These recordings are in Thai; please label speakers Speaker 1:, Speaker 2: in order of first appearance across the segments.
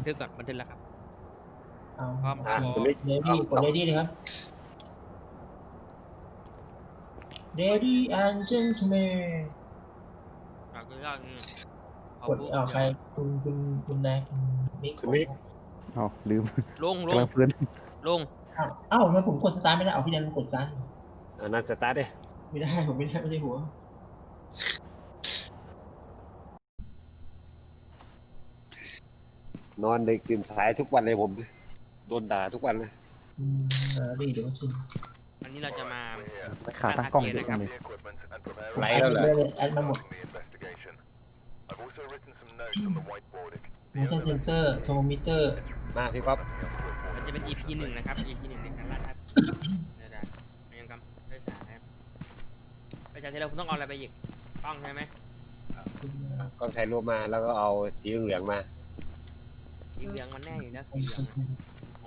Speaker 1: ทึกก่อนบันทึกแล้วครับ
Speaker 2: เอา
Speaker 1: พร้อม
Speaker 2: เลดี้กดเลดี้เลยครับ Lady and gentlemen
Speaker 1: อยากกินยากนี่ขอก
Speaker 2: ด
Speaker 1: บุ๊ก
Speaker 2: ใครคุณแดงคุณมิก
Speaker 3: คุณมิก
Speaker 4: เอาลืม
Speaker 1: ลง
Speaker 4: กำลังเพลิน
Speaker 1: ลง
Speaker 2: อ้าวทำไมผมกดสตาร์ทไม่ได้เอาพี่แดงกดสตาร์ท
Speaker 3: นั่นสตาร์ทดิ
Speaker 2: ไม่ได้ผมไม่ได้ไม่ใช่หัวน
Speaker 3: อนดึกตื่นสายทุกวันเลยผมโดนด่าทุกวันเลย
Speaker 2: ดีเดี๋ยวมาชิม
Speaker 1: อันนี้เราจะมา
Speaker 4: ไม่ขาตั้งกล้องเยอะจังเลย
Speaker 3: ไหลแล้วเหรอ
Speaker 2: แอดมาหมด motion sensor thermometer
Speaker 3: มาพี่ก๊อฟ
Speaker 1: มันจะเป็น EP 1นะครับ EP 1ในการล่าท้าเดี๋ยวๆยังกำได้สายครับไปจากที่เราคุณต้องเอาอะไรไปอีกต้องใช่ไหม
Speaker 3: กล้องถ่ายรูปมาแล้วก็เอาสีเหลืองมา
Speaker 1: สีเหลืองมันแน่อยู่นะสีเหลืองของ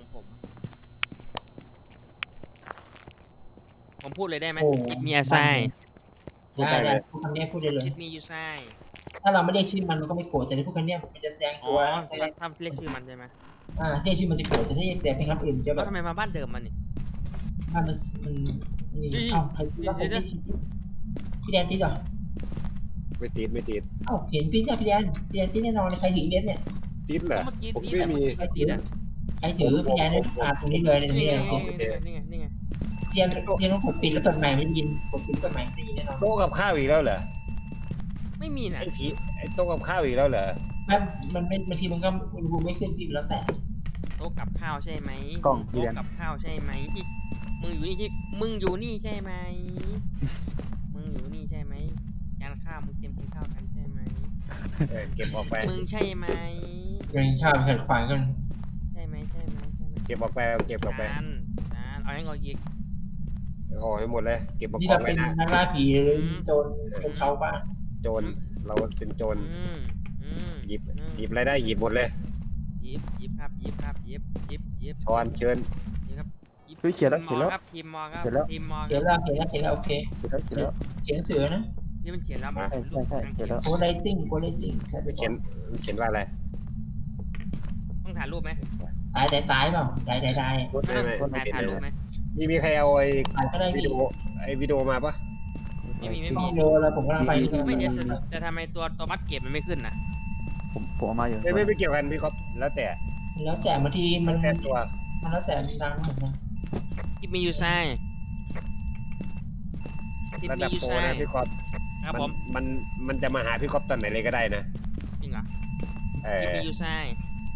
Speaker 1: ผมพูดเลยได้ไหม Give me a sign
Speaker 2: ได้พูดคำนี้พูดได้เลย
Speaker 1: Give me you sign
Speaker 2: ถ้าเราไม่เรียกชื่อมันก็ไม่โกรธแต่ถ้าพูดคำนี้มันจะแสดง
Speaker 1: อ๋
Speaker 2: ตั
Speaker 1: อ
Speaker 2: ว
Speaker 1: ถ้าเรียกชื่อมันใช่ไหม
Speaker 2: เรียกชื่อมันจะโกรธแต่ถ้าเรียกแต่เป็นคำอื่นจะแบ
Speaker 1: แล้ว
Speaker 2: บ
Speaker 1: ทำไมมาบ้านเดิมมันนี่
Speaker 2: มันนี่เอ้าใครพูดว่าผมพี่แดนที่เหรอ
Speaker 3: ไม่ติดไม่ติด
Speaker 2: เอ้าเห็นพี่แดนที่แน่นอนใครถือเบสเนี่ย
Speaker 3: ติดเหรอ
Speaker 1: เมื่อกี้
Speaker 3: ผม
Speaker 1: ที่
Speaker 3: ไม่
Speaker 1: แต่
Speaker 3: มี
Speaker 1: เมื่อกี้ติดอ่ะ
Speaker 2: ใครถือพี่แดนตรงนี้เลยตรง
Speaker 1: นี่
Speaker 2: นี้
Speaker 1: ไง
Speaker 2: เลย
Speaker 1: นี่ไงนี่ไง
Speaker 2: พี่แดนต้องกดปิดแล้วเปิดใหม่ไม่ได้ยินกดปิดเปิดใหม่ไม่ได้ยินแน่นอน
Speaker 3: โต๊ะกับข้าวอีกแล้วเหรอ
Speaker 1: ไม่มีนะ
Speaker 3: ไอ้โต๊ะกับข้าวอีกแล้วเหรอ
Speaker 2: มันบางทีมันก็อุณหภูมิไม่ขึ้นพี่แล้วแต่
Speaker 1: โต๊ะกับข้าวใช่ไหม
Speaker 4: กล้องพี่
Speaker 1: โต๊ะ
Speaker 4: แดน
Speaker 1: กับข้าวใช่ไหมมึงอยู่นี่ใช่มึงอยู่นี่ใช่ไหมมึงอยู่นี่ใช่ไหมจานข้าวมึงเตรียมกินข้าวกันใช่ไหม
Speaker 3: เก็บออกไป
Speaker 1: มึงใช่ไหม
Speaker 2: ยังชอบขัดขวางกัน
Speaker 1: ใช่ไหมใช่ไหมใช่ไหม
Speaker 3: เก็บออกไปเอาเก็บออกไป
Speaker 1: จานเอาให้งออีก
Speaker 3: เอาให้หมดเลยเก็บมา
Speaker 2: นี่
Speaker 3: กอ
Speaker 2: เรา
Speaker 3: งไว้
Speaker 2: เป็น
Speaker 3: นะ
Speaker 2: นักล่าผีหรือโจรเป็นเขาบ้าง
Speaker 3: โจรเราเป็นโจร หยิบ
Speaker 1: อืม
Speaker 3: หยิบอะไรได้หยิบหมดเลย
Speaker 1: หยิบครับหยิบหยิบ
Speaker 3: ช้อนเชิญ
Speaker 1: หยิบครับหยิบ
Speaker 4: เฮ้ยเขียนแล้วเขียนแล้ว
Speaker 1: ครับทีมมอครับ
Speaker 4: เขียนแล้ว
Speaker 1: ทีมมอ
Speaker 2: เขียนแล้วโอเค
Speaker 4: เขียนแล้วเขียนแล้ว
Speaker 2: เขียนเสือนะ
Speaker 1: ที่มันเขียนแล้วมัน
Speaker 4: ใช่ใช่เขียนแล้ว
Speaker 2: โคไลติ้งใช่ไป
Speaker 3: เขียนเขียนว่าอะไร
Speaker 1: ต้องถ่ายรูปไหม
Speaker 2: ตายเปล่าตาย
Speaker 1: ไม่
Speaker 3: ไม่
Speaker 1: ต้องถ่ายรูปไหม
Speaker 3: มีใครเอาไอ้
Speaker 2: ตายก็ได้
Speaker 3: วิ
Speaker 2: พี่
Speaker 3: ดีโอวิดีโอมาปะ
Speaker 1: ไม่มี
Speaker 2: ต้องโยแล้วผมกำลังไปที่
Speaker 1: ไม่เดี๋ยวแต่ทำไมตัวมัดเก็บมันไม่ขึ้นน่ะ
Speaker 4: ผมเอามาอยู่
Speaker 3: ไม่เกี่ยวกันพี่ก๊อฟแล้วแต่
Speaker 2: แล้วแต่บางทีมัน
Speaker 3: แต่ตัว
Speaker 2: แล้วแต่ดังเหมือนกัน
Speaker 1: Give me you sign Give
Speaker 3: ระ
Speaker 1: me
Speaker 3: ดับ
Speaker 1: you
Speaker 3: โปร
Speaker 1: sign
Speaker 3: นะพี่ก๊อฟ
Speaker 1: ครับผม
Speaker 3: มันจะมาหาพี่ก๊อฟตอนไหนเลยก็ได้นะ
Speaker 1: จริงเหรอ Give me you sign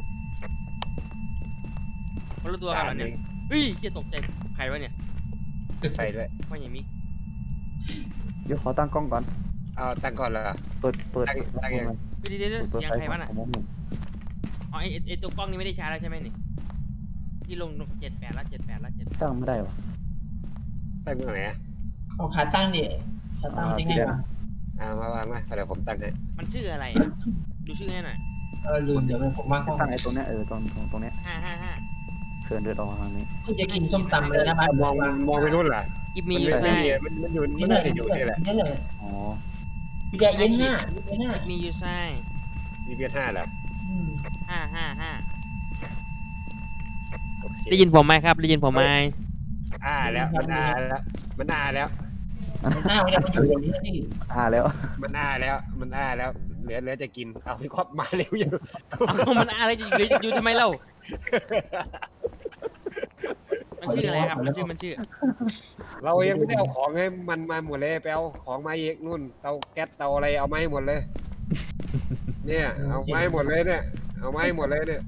Speaker 1: เขารู้ตัวกันเหรอเนี่ยเฮ้ยเกียตกใจใครวะเนี่ย
Speaker 3: ใส่ด้วย
Speaker 1: ว่าอย่างนี้
Speaker 4: เดี๋ยวขอตั้งกล้องก่อน
Speaker 3: เอาตั้งก่อนเหรอ
Speaker 4: เปิด
Speaker 3: ตั้งยัง
Speaker 1: เดี๋ยวเสียงใครวะน่ะ
Speaker 4: ผมมอง
Speaker 1: อ๋อไอตัวกล้องนี้ไม่ได้ใช้แล้วใช่ไหมนี่ที่ลง78แล้ว78
Speaker 4: ตั้งไม่ได้หรอ
Speaker 3: ตั้งตรงไหนอ่ะ
Speaker 2: เอาขาตั้งดิขาตั้งจริงไงวะ
Speaker 3: มาวางมาเดี๋ยวผมตั้งให้
Speaker 1: มันชื่ออะไรดูชื่อให้หน่อย
Speaker 2: ลืมเดี๋ยวผมมาห้อง
Speaker 4: ตั้งไอ้ตรงเนี้ยตรงเนี้ย
Speaker 1: 555
Speaker 4: เชิญเดินออกทางนี้
Speaker 2: ที่จะกินส้มตำเลยนะบ้าน
Speaker 3: มองไปนู่นเหรอ
Speaker 1: Give
Speaker 3: มั
Speaker 1: me
Speaker 3: น
Speaker 1: you
Speaker 3: ไม่
Speaker 1: sign
Speaker 3: มีมันอยู่มันน่าจะอยู่นี่แหละ
Speaker 2: นี่เลย
Speaker 4: อ๋อ
Speaker 2: พี่แดงเย็นห้า
Speaker 1: Give me you sign
Speaker 3: มีเพีย5เหรอ
Speaker 1: 555
Speaker 3: โอเค
Speaker 1: ได้ยินผมไหมครับได้ยินผมไหม
Speaker 3: แล้วมันแล้วมันแล้ว
Speaker 2: หน้าไม่ได้มันอยู่อย่างนี้พี่
Speaker 4: แล้ว
Speaker 3: มันแล้วเหลือจะกินเอาพี่ก๊อฟมาเร็วอยู่
Speaker 1: เอามันอะไรอยู่ทำไมเล่ามันชื่ออะไรครับมันชื่อ
Speaker 3: เรายังไม่ได้เอาของให้มันมาหมดเลยไปเอาของมาอีกนู่นเตาแก๊สเตาอะไรเอามาให้หมดเลย เนี่ยเอามาให้หมดเลยเนี่ยเอามาให้หมดเลยเนี่ย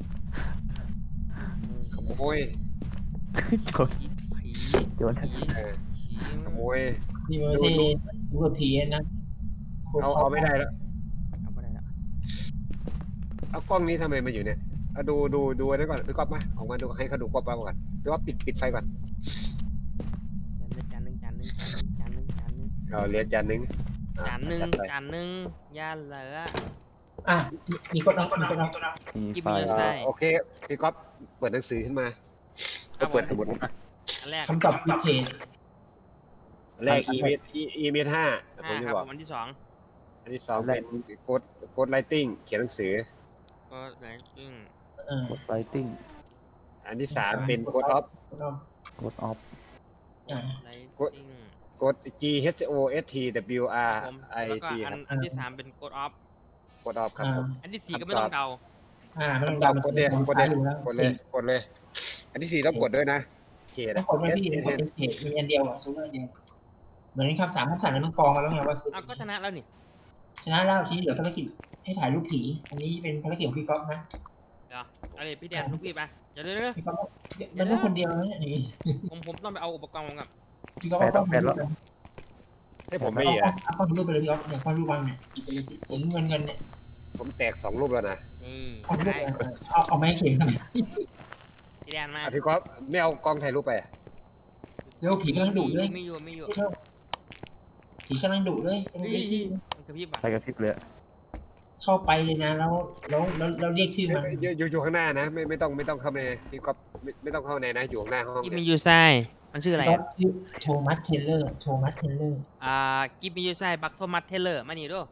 Speaker 3: ขโมย
Speaker 4: โจร
Speaker 1: ผี
Speaker 4: โจร
Speaker 3: ขโมย
Speaker 2: นี่มันไม่ใช่ดูกับผีนะ
Speaker 3: เอาไม่ได้แล้ว
Speaker 1: เอาไปได้แล้ว
Speaker 3: เอากล้องนี้ทำไมมาอยู่เนี่ยเอาดูอันนั้นก่อนพี่ก๊อฟมาออกมาดูให้เขาดูก๊อฟมาก่อนหรือว่าปิดไฟก่อน
Speaker 1: จานหนึ่ง
Speaker 3: เราเรียนจานนึง
Speaker 1: ยาเหลือ
Speaker 2: มีคนเอา
Speaker 4: มีไฟ
Speaker 3: โอเคพี่ก๊อฟเปิดหนังสือขึ้นมาเปิดสมุด
Speaker 1: อันแรก
Speaker 2: คำตอบพิเศษ
Speaker 3: แรกอีเมท5ผมจะ
Speaker 1: ครับ
Speaker 3: บอก
Speaker 1: วันที่
Speaker 3: อันที่2เป็นโค้ดไลติ้งเขียนหนังสือ
Speaker 1: ก็ไหนซึ่ง
Speaker 4: กดไลติ้ง
Speaker 3: อันที่สามเป็นกดออฟ
Speaker 4: กดออฟ
Speaker 1: ไล
Speaker 3: กด
Speaker 1: ติ้ง
Speaker 3: กด G H O S T W R
Speaker 1: ผม
Speaker 3: I
Speaker 1: แล้วก็
Speaker 3: T
Speaker 1: อั
Speaker 3: คน รับ
Speaker 1: อันที่สามเป็นกดออฟ
Speaker 3: กดออฟครับผม
Speaker 1: อันที่สี่ก็ไม่ต้องเดา
Speaker 2: ไม่ต้อง
Speaker 3: ดา
Speaker 2: ดำ
Speaker 3: กดเลยกดเลย
Speaker 2: อยู่แล้ว
Speaker 3: กดเลยกดเลย อันที่สี่ต้องกดด้วยนะเขต
Speaker 2: ต้องกดไม่พี่กดเป็นเศษมีอันเดียวอ่ะตัวเดียวเหมือนคำสามคำสั่งนั้นมันกองมาแล้วไงว่า
Speaker 1: เอาก็ชนะแล้วนี่
Speaker 2: ชนะแล้วทีนี้เหลือภารกิจให้ถ่ายรูปผีอันนี้เป็นภารกิจของพี่ก๊อฟนะ
Speaker 1: เดี๋ยวเอาเลยพี่แดนลูกพี่ไปเดี๋ยวเดี๋ยว
Speaker 2: พี่ก๊อฟมันต้องคนเดียวนะนี่
Speaker 1: ผมต้องไปเอาอุปกรณ์ผมกับ
Speaker 2: พี่ก๊อฟเอากล้องรูป
Speaker 3: ให้ผมไม่อ่ะ
Speaker 2: เอากล้องรูปไปเลยพี่ก๊อฟเนี่ยกล้องรูปวางเนี่ยสีเงินเนี่ย
Speaker 3: ผมแตก2รูปแล้วนะ
Speaker 1: นี่
Speaker 2: กล้องรูป
Speaker 1: ได้
Speaker 2: เอาไม้เขียนทำไม
Speaker 1: พี่แดนมา
Speaker 3: พี่ก๊อฟไม่เอากล้องถ่ายรูปไป
Speaker 2: เร็วผีกำลังดุเลย
Speaker 1: ไม่อยู่ไม่อยู่
Speaker 2: ผีกำลังดุเลยกำลังเรียกชื่อ
Speaker 1: มันกระพริบอ่ะ
Speaker 4: ใครกระพริบเลย
Speaker 2: เข้าไปเลยนะแล้วเรียกชื่อมัน
Speaker 3: อยู่ข้างหน้านะไม่ต้องเข้าในพี่ก๊อฟไม่ต้องเข้าในนะอยู่ข้างหน้าห้อง
Speaker 1: กิม
Speaker 3: เนี่
Speaker 1: มี
Speaker 3: ย
Speaker 1: ยูไซมันชื่ออะไร
Speaker 2: ก๊อ
Speaker 1: อ่ะ
Speaker 2: ฟชื่อโทมัสเทเลอร์
Speaker 1: กิมมียูไซบักโทมัสเทเลอร์มานี่ดู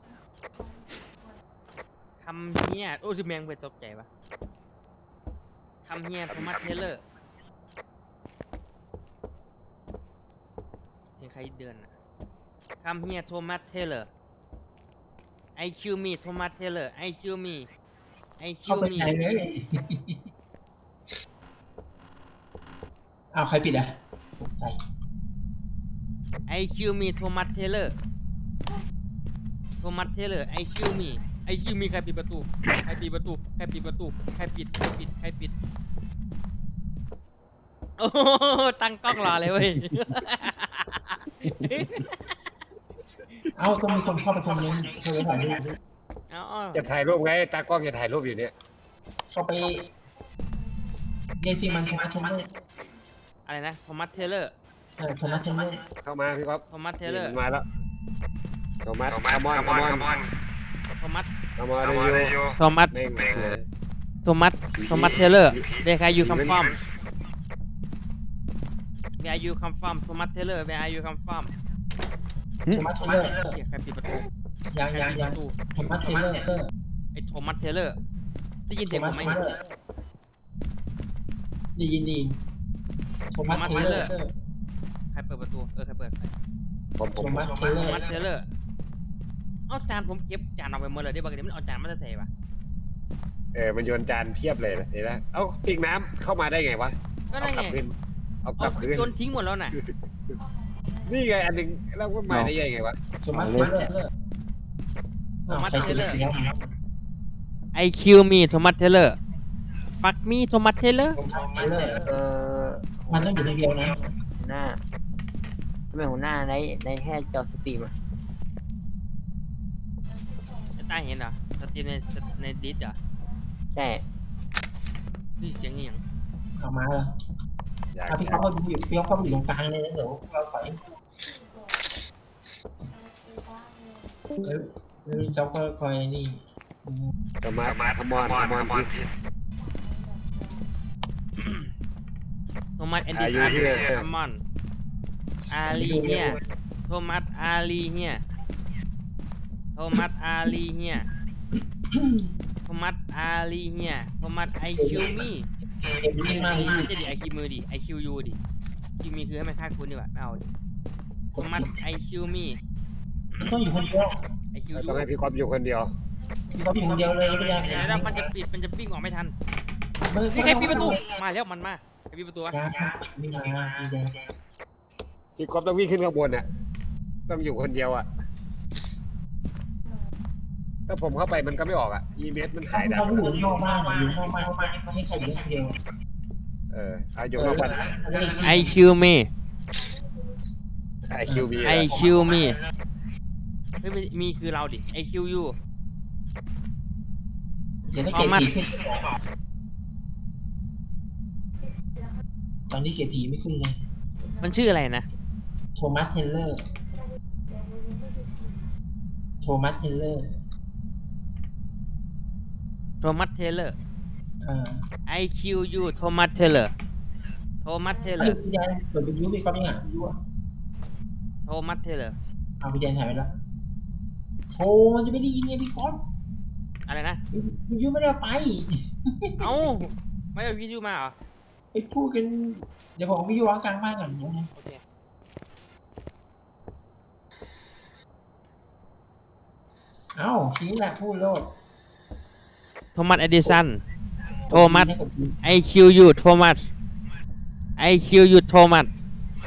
Speaker 1: คำเฮียโอ้ยแมงไปตกใจปะคำเฮียโทมัสเทเลอร์เสียงใครเดินอ่ะคำเฮียโทมัสเทเลอร์ไอคิวมีโทมัสเทเลอร์ไอคิวมีไอคิ
Speaker 2: เข้าว ไป
Speaker 1: มี
Speaker 2: ไหนเลยอ้าวใครปิดอ่ะใส่
Speaker 1: ไอคิวมีโทมัสเทเลอร์โทมัสเทเลอร์ไอคิวมีใครปิดประตูใครปิดประตูใครปิดประตูใครปิดใครปิดใครปิดโอ้โหตั้งกล้องรอเลยเว้ย
Speaker 2: เอ้าต้องมีคนเข้าไปคนนึงเข้าไปถ่ายรูป
Speaker 1: เอา
Speaker 3: จะถ่ายรูปไงตากล้องจะถ่ายรูปอยู่เนี่ย
Speaker 2: เข้าไปเรียกชื่อมันโทมัสเทเลอร์
Speaker 1: อะไรนะโทมัสเทเลอร์
Speaker 2: โทมัสเทเลอร์
Speaker 3: เข้ามาพี่ก๊อฟ
Speaker 1: โทมัสเทเลอร์
Speaker 3: มาแล้วโทมัสคามอน
Speaker 1: โทมัส
Speaker 3: คามอนเลยอยู่
Speaker 1: โทมัส
Speaker 3: เม่งเลย
Speaker 1: โทมัสเทเลอร์เวคายูคัมฟอมเวคายูคัมฟอมโทมัสเทเลอร์เวคายูคัมฟอม
Speaker 2: โทมัสเทเลอร์
Speaker 1: เชี่ยใครปิดประตู
Speaker 2: ยัง
Speaker 1: ใครปิดประตู
Speaker 2: โทมัสเทเลอร์
Speaker 1: ไอโทมัสเทเลอร์ได้ยิน
Speaker 2: โท
Speaker 1: เสียงผ
Speaker 2: มัส
Speaker 1: มไหม
Speaker 2: เทเลอร์ดียินดีโทมัสเทเลอร์
Speaker 1: ใครเปิดประตูใครเปิดไฟ
Speaker 3: ผม
Speaker 2: โทมัสเทเล
Speaker 1: โท
Speaker 2: อร์
Speaker 1: มัสเทเลอร์เอาจานผมเก็บจานเอาไปหมดเลยได้ปะเดี๋ยวมันเอาจานมาใส่ปะ
Speaker 3: มันโยนจานเพียบเลยนะเห็นไหมเอ้าปิงน้ำเข้ามาได้ไงวะ
Speaker 1: ก็ได้
Speaker 3: กลั
Speaker 1: ไง
Speaker 3: คืนเอาก
Speaker 1: เอา
Speaker 3: ลับคืน
Speaker 1: โยนทิ้งหมดแล้วน่ะ
Speaker 3: นี่ไงอันหนึงแล้วก็มาได้ยังไงวะ
Speaker 2: โทมัสเทเลอร์ใครเสร็จแล้ว
Speaker 1: ไอคิวมีโทมัสเทเลอร์ฟักมีโทมัสเทเลอร์
Speaker 2: โทมัสเทเลอร์
Speaker 5: อ
Speaker 2: มันต้องอยู่ในเดียวนะ
Speaker 5: หัวหน้าทำไมหัวหน้าในแค่จอสตรีมอ่ะ
Speaker 1: ตาเห็นเหรอสตรีมในดิสเหรอ
Speaker 5: ใช่
Speaker 1: นี่เสียงอหย่าง
Speaker 2: เอามาเลย
Speaker 3: อยาก
Speaker 2: ถ้าพี่เขาก็อยู่พี่เขาก็อยู่ตรงกลางเลยนะเดี๋ยวเราถอยแล้วเขาก็คอยนี่
Speaker 3: โทมัสคามอนพิส
Speaker 1: โทมัสแอนดี้
Speaker 3: Are you here?
Speaker 1: คัมมอนอาลีเฮียโทมัสอาลีเฮียโทมัสอาลีเฮียโทมัสอาลีเฮียโทมัสไอคิวมี
Speaker 2: เด็กวิ่งมากเลย
Speaker 1: ไม่ใช่ดิไอคิวมือดิไอคิวยูดิคิวมีคือให้มันฆ่าคุณดีกว่าไม่เอาดิโทมัสไอคิวมี
Speaker 2: ต้องอยู่คนเดียว
Speaker 1: ไอคิวยู
Speaker 3: ต้องให้พี่ก๊อฟอยู่คนเดียว
Speaker 2: พี่เขาอยู่คนเดียวเลยไม่ได้
Speaker 1: เดี๋ยวมันจะปิดมันจะปิ้งออกไม่ทันนี่ใครปิดประตูมาแล้วมันมาใครปิดประตูวะ
Speaker 2: ไม่มาพี่แดง
Speaker 3: พี่ก๊อฟต้องวิ่งขึ้นข้างบนน่ะต้องอยู่คนเดียวอ่ะถ้าผมเข้าไปมันก็ไม่ออกอ่ะอีเมสมันหายดัง
Speaker 2: เขาอยู่นอกบ้านอยู่นอกบ้านไม่ให้ใครอยู่คนเดียว
Speaker 3: เอาอยู่นอกบ้าน
Speaker 1: ไอคิวมี
Speaker 3: ไอคิวบี
Speaker 1: ไอคิวมีเฮ้ยมีคือเราดิไอคิวยู
Speaker 2: เดี๋ยวถ้าเกตผีขึ้นตอนนี้เกตผีไม่ขึ้นเลย
Speaker 1: มันชื่ออะไรนะ
Speaker 2: โทมัสเทเลอร์โทมัสเทเลอร์
Speaker 1: โทมัสเทเลอร์
Speaker 2: อ่า
Speaker 1: ไอคิวยูโทมัสเทเลอร์โทมัสเทเลอร์
Speaker 2: พี่แดนเปิดเป็นยูพี่ก๊อฟยังอ่ะยูอ่ะ
Speaker 1: โทมัสเทเลอร์
Speaker 2: เอาพี่แดนถ่ายไปแล้วโทมันจะไม่ได้ยินไงพี่ก๊อฟ
Speaker 1: อะไรนะ
Speaker 2: วิทยุไม่ได้เอาไป
Speaker 1: เอ้าไม่เอาวิทยุมาเหรอ
Speaker 2: ไปพูดกันเดี๋ยวผมวิทยุวางกลางบ้านก่อนนะ
Speaker 1: โอเค
Speaker 2: เอ้าทีนี้แหละพูดโลด
Speaker 1: โทมัสเอดิสันโทมัส ไอคิวยูโทมัสไอคิวยูโทมัส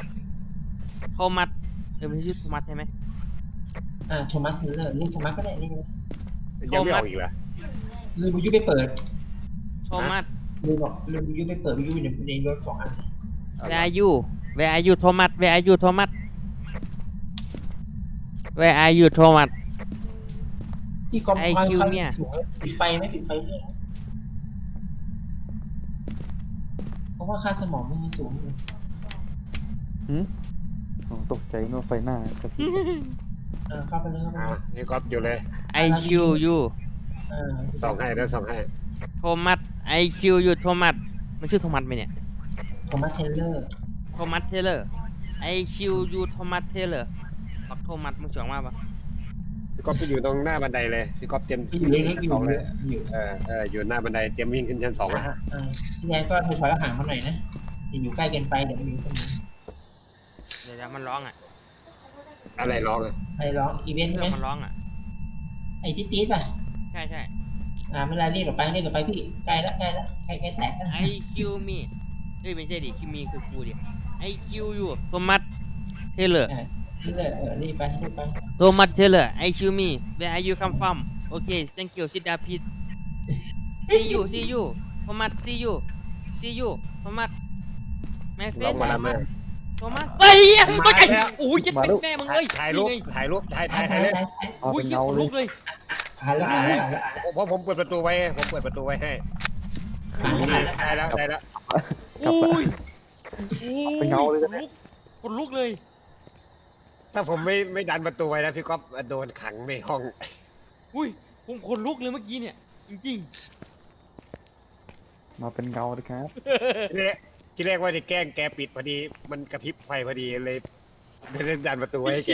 Speaker 1: ไม่ใช่ชื่อโทมัสใช่ไหม
Speaker 2: โทมัสเทเลอร์เรียกโทมัสก็ได้เรียกเลย
Speaker 3: ยังไม่ออกอีกเหรอ
Speaker 2: ลืมวิทยุไปเปิด
Speaker 1: โทมัส
Speaker 2: ลืมวิทยุไปเปิดวิทยุอยู่ในรถสองอัน
Speaker 1: Where are you Where are you โทมัส Where are you โทมัส Where are you โทมัส
Speaker 2: พี่ก๊อฟ
Speaker 1: IQ เนี่ย
Speaker 2: ปิดไฟไหมปิดไฟด้วยนะเพราะว่าค่าสมองมันสูงเลย
Speaker 4: ตกใจนึกว่าไฟหน้ากระพริบ
Speaker 2: เข้าไปเลยเข้าไป
Speaker 3: อ่า
Speaker 2: เลย
Speaker 3: นี่ก๊อฟอยู่เลย
Speaker 1: IQ you
Speaker 3: ส่องให้เดี๋ยวส่องให้
Speaker 1: โทมัส IQ you โทมัสมันชื่อโทมัสไหมเนี่ย
Speaker 2: โทมัสเทเลอร์
Speaker 1: โทมัสเทเลอร์ IQ you โทมัสเทเลอร์ปักโทมัสมึงเฉียงมากปะ
Speaker 3: พี่ก๊อฟจะอยู่ตรงหน้าบันไดเลยพี่ก๊อฟเตรียม
Speaker 2: ที่อยู่เล็กๆอยู่
Speaker 3: สองเลย
Speaker 2: อยู่
Speaker 3: อยู่หน้าบันไดเตรียมวิ่งขึ้นชั้น 2อ่ะ
Speaker 2: ที่แรกก็ถอยห่างมาหน่อยนะอย่าอยู่ใกล้เกินไปเดี๋ยวมันอยู่เสมอ
Speaker 1: เดี๋ยวมันร้องอ่ะ
Speaker 3: อะไรร้องอ่ะ
Speaker 2: ใครร้องอีเวนต์
Speaker 1: เค
Speaker 2: ใช่
Speaker 1: รื่
Speaker 2: ไห
Speaker 1: อ
Speaker 2: ม
Speaker 1: งมันร้องอ่ะ
Speaker 2: ไอ้ที่ตีดป่ะ
Speaker 1: ใช่ใช่
Speaker 2: เวลาเรียกออกไปพี่ใกล้แล้วใกล้แตกแล้ว
Speaker 1: IQ me เฮ้ยไม่ใช่ดิคิมีคือกูดิ IQ you โทมัสเทเลอร์
Speaker 2: นี่เลยรีบไป
Speaker 1: โทมัสเทเลอร์ IQ me Where are you come from Okay thank you sit down please See you โทมัส See you โทมัส My
Speaker 3: ร้อง
Speaker 1: friend
Speaker 3: มาแล้วแม่
Speaker 1: โทมัสเฮ้ยมาไก่
Speaker 3: แล้ว
Speaker 1: โอ้ยจะเป็นแม่มึงเอ้ย
Speaker 3: ถ่ายรูป
Speaker 1: นี่ไง
Speaker 3: ถ่ายเลย
Speaker 4: เอา
Speaker 1: อุ้
Speaker 4: เป็
Speaker 1: ย
Speaker 4: น
Speaker 1: ยิ
Speaker 4: เงา
Speaker 1: ง
Speaker 4: เล
Speaker 1: ลุ
Speaker 4: ย
Speaker 1: กเลย
Speaker 2: หาแล้ว
Speaker 3: เพราะผมเปิดประตูไว้ให้ได้แล้ว
Speaker 1: อุ้ย
Speaker 4: เป็นเงาเลยนะ
Speaker 1: คนลุกเลย
Speaker 3: ถ้าผมไม่ดันประตูไว้นะพี่ก๊อฟโดนขังในห้อง
Speaker 1: อุ้ยผมคนลุกเลยเมื่อกี้เนี่ยจริง
Speaker 4: มาเป็นเงาเลยครับ
Speaker 3: ที่แรกว่าจะแกล้งแกปิดพอดีมันกระพริบไฟพอดีเลยดันประตูไว้ให้แก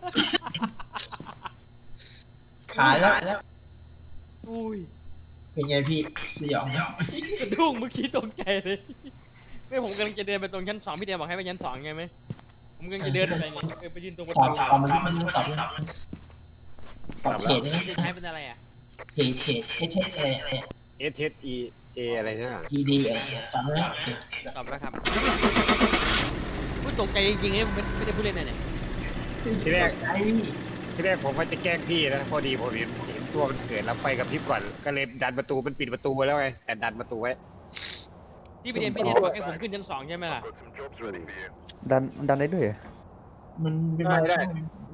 Speaker 2: หาแล้ว
Speaker 1: ๆอุ้ย
Speaker 2: เป็นไงพี่สยอง
Speaker 1: กระดุ้งเมื่อกี้ตกใจเลยไม่ผมกำลังจะเดินไปตรงชั้น 2พี่เดียบอกให้ไปชั้น 2ไงไหมผมกำลังจะเดินไปไงไปยืนตรงประ
Speaker 2: ตอบ
Speaker 1: ตู
Speaker 2: มันตอบเฉดนะ
Speaker 1: จะใช้เป็นอะไรอ่ะ
Speaker 2: เฉดอะไรเนี่ย
Speaker 3: SSE อะไรนะ
Speaker 2: ED จำได้
Speaker 1: ตอบแล้วครับอุ้ยตกใจจริงๆเลยผมไม่ได้พูดเล่นนะเนี่ย
Speaker 3: ที่แรก
Speaker 2: ไอ้
Speaker 3: ที่แรกผมว่าจะแกล้งพี่นะพอดีผมเห็นตัวมันเกิดแล้วไฟกระพริบก่อนก็เลยดันประตูมันปิดประตูไว้แล้วไงแต่ดันประตูไว้
Speaker 1: ที่พี่เดียบอกให้ผมขึ้นชั้น 2ใช่ไหมล่ะ
Speaker 4: ดันได้ด้วยเหรอ
Speaker 2: มันเป็นบางช่วง